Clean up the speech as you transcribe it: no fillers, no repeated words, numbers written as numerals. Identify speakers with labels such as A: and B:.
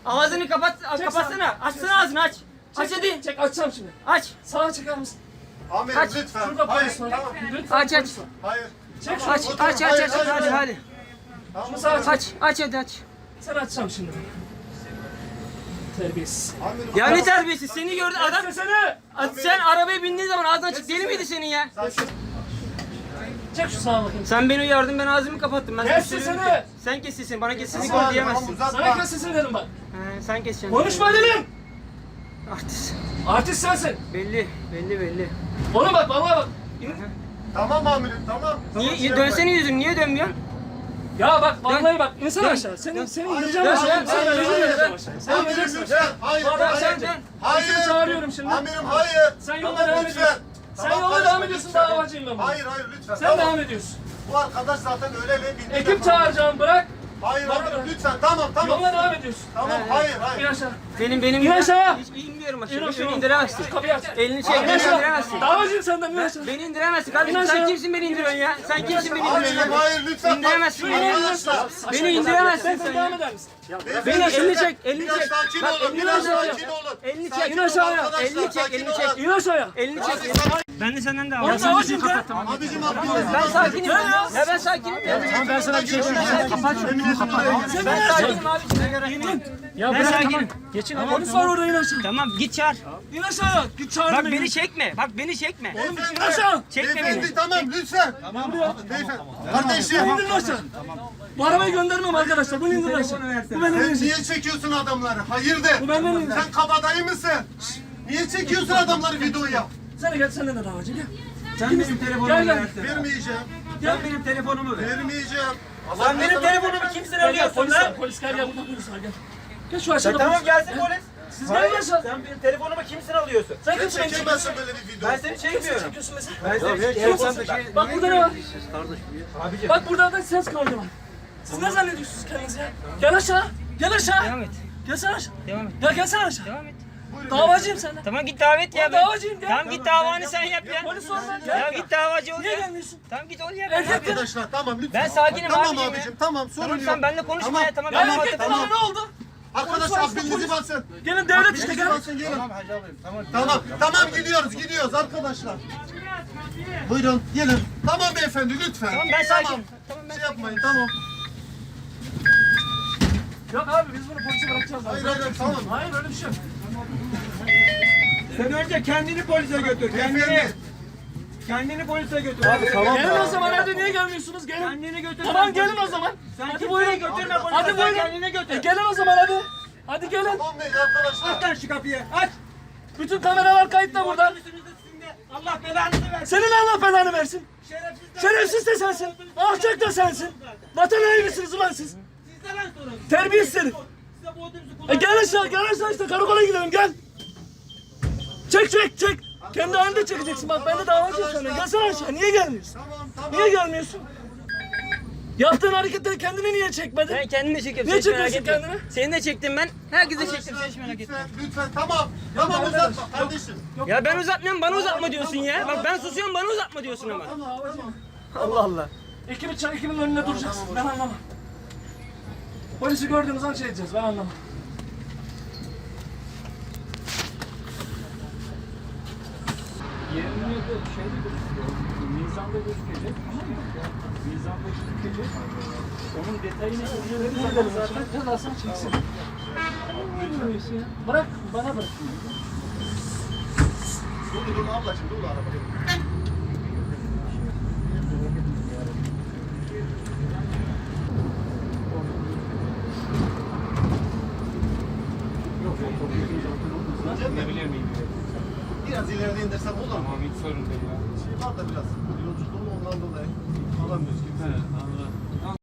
A: Ağzını kapat, kapatsana. Açsana ağzını aç. Aç hadi.
B: Çek açacağım şimdi.
A: Aç.
B: Sağa çeker misin?
C: Amirim
A: Aç.
C: lütfen.
B: Şurada
C: Hayır,
B: polis var.
C: tamam.
B: Lütfen
A: Aç, aç.
B: polis var.
C: Hayır.
B: Çek şunu.
A: Aç. Hadi hadi.
B: Şunu sağa çek.
A: Aç hadi aç.
B: Sen açacağım şimdi. Terbiyesiz.
C: Amirim.
A: Ya ne terbiyesiz, seni gördü adam.
B: Sesini.
A: Sen arabaya bindiğin zaman ağzın açık deli miydi senin ya?
B: Çek şu sağa bakayım.
A: Sen beni uyardın, ben ağzımı kapattım. Ben
B: Kes
A: sana
B: sesini.
A: söylüyorum ki, sen kes sesini, bana kes sesini
C: Tamam,
A: diyemezsin.
C: tamam,
B: Sana
C: uzatma.
B: kes sesini dedim bak.
A: Sen keseceksin.
B: Konuşma dedim.
A: Artist.
B: Artist sensin.
A: Belli.
B: Ona bak bana bak.
C: Tamam amirim tamam.
A: Niye dönsene yüzünü, niye dönmüyorsun?
B: Ya bak vallahi bak. İnsan
A: Dön.
B: aşağı. Seni indireceğim
A: Dön,
B: aşağı.
A: dön,
B: Sen
A: dön,
B: indireceğim
A: dön.
B: aşağı. Sen
C: Amirim
B: ineceksin.
C: lütfen. Hayır.
B: Bak,
C: Hayır.
B: sen dön.
C: Hayır.
B: Seni çağırıyorum şimdi.
C: Amirim hayır.
B: Sen yoluna
C: Tamam,
B: devam
C: lütfen.
B: ediyorsun. Sen
C: Tamam,
B: yoluna
C: karışma,
B: devam ediyorsun,
C: lütfen.
B: davacıyım ben bunu.
C: Hayır lütfen.
B: Sen
C: tamam.
B: devam ediyorsun.
C: Bu arkadaş zaten öyle ve bindi.
B: Ekip çağıracağım bırak.
C: Hayır
B: Bana
C: amirim
B: bak.
C: lütfen tamam.
B: Yoluna devam ediyorsun.
C: Tamam hayır.
B: İn aşağı.
A: Benim
B: İn aşağı.
A: hiç inmiyorum
B: İn
A: aşağı.
B: aşağı.
A: Beni indiremezsin.
B: Şu kapıyı aç.
A: Elini çek,
B: İn
A: beni
B: aşağı.
A: indiremezsin.
B: Davacıyım senden in aşağı.
A: Beni indiremezsin kardeşim.
B: İn
A: Sen
B: aşağı.
A: kimsin beni indiriyorsun ya? Sen kimsin beni
C: Amirim
A: indiriyorsun?
C: hayır lütfen.
A: İndiremezsin beni.
C: Arkadaşlar.
A: Beni indiremezsin
B: Sen
A: sen
B: devam
A: ya.
B: eder misin?
A: Beni elini çek, elini
C: Biraz
A: çek.
C: sakin
A: Bak,
C: olun.
A: elini
C: Biraz
B: aşağı.
C: sakin olun.
A: Elini
C: Sakin
A: çek.
B: İn aşağıya.
C: olun
A: Elini
C: arkadaşlar,
A: çek, elini
C: sakin
A: çek.
C: olun.
B: İn aşağıya.
A: Elini çek. Ben de senden de
B: Oğlum davacıyım de.
C: Abicim haklısın.
A: Ben sakinim ya. Ya ben sakinim ya.
C: Tamam ben sana bir şey
A: Ben sakinim abiciğim.
B: Ya
A: Ben sakinim.
B: Geçin. Polis var orada in aşağı.
A: Tamam git çağır.
B: İn aşağıya. Git çağır
A: Bak
B: beni.
A: beni çekme. Bak beni çekme.
B: İn aşağı.
A: Çekme beni.
C: Beyefendi tamam lütfen. Tamam. Beyefendi. Kardeşim.
B: İndirin aşağı. Bu arabayı göndermem arkadaşlar. Bunu indirin aşağı. Bu benden
C: Sen
B: insin.
C: niye çekiyorsun adamları? Hayırdır?
B: Bu benden insin.
C: Sen kabadayı mısın? Niye çekiyorsun adamları videoya?
B: Sen de gel senden de davacı gel.
A: Sen benim telefonumu
B: Gel, gel.
A: versene.
C: Vermeyeceğim.
A: Sen benim telefonumu ver.
C: Vermeyeceğim.
A: Sen benim telefonumu kimsin
B: Gel
A: alıyorsun
B: polis
A: lan?
B: var. Polis gel burada polis var gel. Gel şu aşağıda
A: Tamam
B: polis.
A: gelsin polis.
B: Siz gelin aşağı.
A: Sen benim telefonumu kimsin alıyorsun?
B: Sen
C: Sen
B: kimsin beni çekiyorsun?
C: çekemezsin böyle bir video.
A: Ben seni çekmiyorum.
B: Çekiyorsun mesela.
A: Ben seni çekmiyorum.
B: Bak burada ne var?
A: Abicim.
B: Bak burada da ses kaydı var. Siz ne zannediyorsunuz kendinizi ya? Gel aşağı. Gel aşağı.
A: Devam et.
B: Gelsene aşağı.
A: Devam et.
B: Ya gelsene aşağı.
A: Devam et.
B: Davacıyım senden.
A: Tamam git davet ya.
B: Ben davacıyım, gel.
A: Tamam git davanı sen yap ya.
B: Polis var lan.
A: Ya
B: Gel.
A: git davacı ol
B: Niye
A: ya.
B: gelmiyorsun?
A: Tamam git ol ya.
C: Arkadaşlar tamam lütfen.
A: Ben sakinim
C: tamam
A: abicim ya.
C: abicim tamam sorun
A: Tamam
C: yok.
A: sen benimle konuşma ya tamam.
B: Ya
A: ben
B: erkekten
A: tamam.
B: ama ne oldu?
C: Arkadaşlar aklınızı basın.
B: Gelin devlet işte
C: Aklınızı
B: gel.
C: basın gelin. Tamam gidiyoruz arkadaşlar. Buyurun gelin. Tamam beyefendi lütfen.
A: Tamam ben sakinim. Tamam ben
C: Şey yapmayın tamam.
B: Yok abi biz bunu polise bırakacağız.
C: Hayır tamam.
B: Hayır öyle bir şey yok.
D: Sen önce kendini polise götür.
C: Beyefendi.
D: Kendini polise götür.
B: Gelin o zaman hadi niye gelmiyorsunuz? Gelin.
D: Kendini götür.
B: Tamam gelin o zaman.
D: Sen
B: Hadi
D: kimseyi
B: buyurun.
D: götürme polise.
B: Hadi
D: Sen
B: buyurun.
D: kendini götür.
B: Gelin o zaman hadi. Hadi gelin.
C: Tamam bey arkadaşlar.
D: Aç lan şu kapıyı. Aç.
B: Bütün kameralar kayıtta burada.
D: Allah belanızı versin.
B: Senin Allah belanı versin.
D: Şerefsiz.
B: Şerefsiz de sensin. Alçak da sensin. Vatan hainlisiniz ulan siz.
D: Sizde lan sorun.
B: Terbiyesiz herif.
D: Size bu otobüsü
B: Gel aşağı işte karakola gidelim gel. Çek. Kendi halinde çekeceksin bak ben de davacıyım sana. Gelsene aşağı niye gelmiyorsun?
C: Tamam.
B: Niye gelmiyorsun? Yaptığın hareketleri kendini niye çekmedin?
A: Ben kendimi çekiyorum.
B: Niye
A: sen hiç merak
B: çekiyorsun
A: etme.
B: kendini?
A: Seni de çektim ben. Herkese çektim. Sen hiç merak etme.
C: Lütfen tamam. Tamam uzatma kardeşim.
A: Ya ben uzatmıyorum bana uzatma diyorsun ya. Bak ben susuyorum bana uzatma diyorsun ama. Allah Allah.
B: Ekibin önünde duracağız. Ben anlamam. Polisi gördüğümüz an şey edeceğiz ben anlamam.
E: Mizanda gözükecek, tamam mı? Mizanda gözükecek. Onun detayını
B: Zaten cezasını çeksin. Bırak bana bırak.
C: Dur ablacığım dur arabaya. Biraz ileride indirsem olur mu?
E: Tamam hiç sorun değil ya.
C: Şey var da biraz yolculuğum ondan dolayı alamıyoruz kimse.
E: He, anladım.